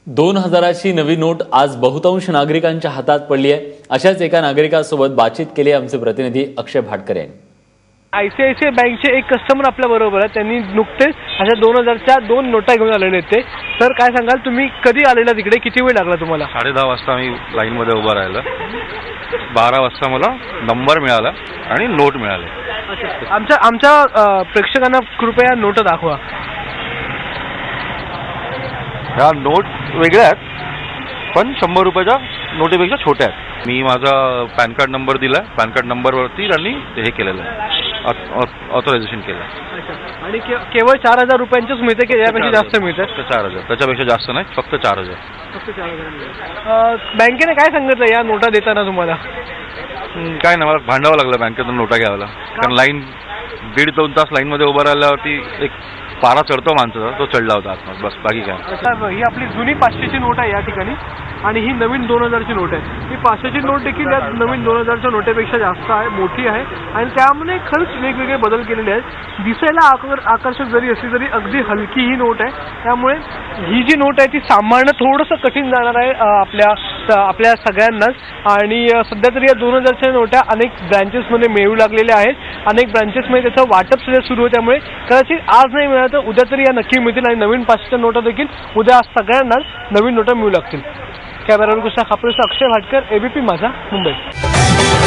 2000ची नवी नोट आज बहुतांश नागरिकांच्या हातात पडली आहे। अशाच एका नागरिकासोबत बातचीत केली आमचे प्रतिनिधी अक्षय भाटकर यांनी। आयसीआयसीआय बँकचे एक कस्टमर आपल्या बरोबर आहे। त्यांनी नुकतेच अशा 2000च्या 2 नोटा घेऊन आलेले आहेत ते। सर काय सांगाल, तुम्ही कधी आलेला तिकडे, किती वेळ लागला तुम्हाला? 10:30 वाजता मी लाईन मध्ये उभा राहिलो। 12 वाजता मला नंबर मिळाला आणि नोट मिळाले। आमच्या प्रेक्षकांना कृपया नोट दाखवा। ह्या नोट वेगळ्या आहेत पण 100 रुपयाच्या नोटेपेक्षा छोट्या आहेत। मी माझा पॅन कार्ड नंबर दिला, पॅन कार्ड नंबरवरती त्यांनी हे केलेलं आहे, ऑथरायझेशन केलं। आणि केवळ 4000 रुपयांचीच मिळते की यापेक्षा जास्त मिळते? 4000, त्याच्यापेक्षा जास्त नाही, फक्त 4000। फक्त 4000। बँकेने काय सांगितलं या नोटा देताना तुम्हाला? काय नाही, मला भांडावं लागलं बँकेतून नोटा घ्यायला, कारण लाईन 1.5-2 तास लाईन मध्ये उभा राहिल्यावरती एक पारा चढतो माणसाचा, तो चढला होता आतमध्ये, बस बाकी काय। ही आपली जुनी 500ची नोट आहे या ठिकाणी आणि ही नवीन 2000ची नोट आहे। ही 500ची नोट देखील या नवीन 2000च्या नोटेपेक्षा जास्त आहे, मोठी आहे आणि त्यामुळे खरंच वेगवेगळे बदल केलेले आहेत। दिसायला आकर्षक जरी असली तरी अगदी हलकी ही नोट आहे, त्यामुळे ही जी नोट आहे ती सांभाळणं थोडंसं कठीण जाणार आहे आपल्या सगळ्यांनाच। आणि सध्या तरी या 2000च्या नोटा अनेक ब्रँचेसमध्ये मिळू लागलेल्या आहेत, अनेक ब्रँचेसमध्ये त्याचं वाटप सध्या सुरू आहे। त्यामुळे कदाचित आज नाही मिळालं तर उद्या तरी या नक्की मिळतील आणि नवीन 500च्या नोटा देखील उद्या सगळ्यांनाच नवीन नोटा मिळू लागतील। कॅमेरामॅन कृष्णा खापरेसह अक्षय भाटकर, एबीपी माझा, मुंबई।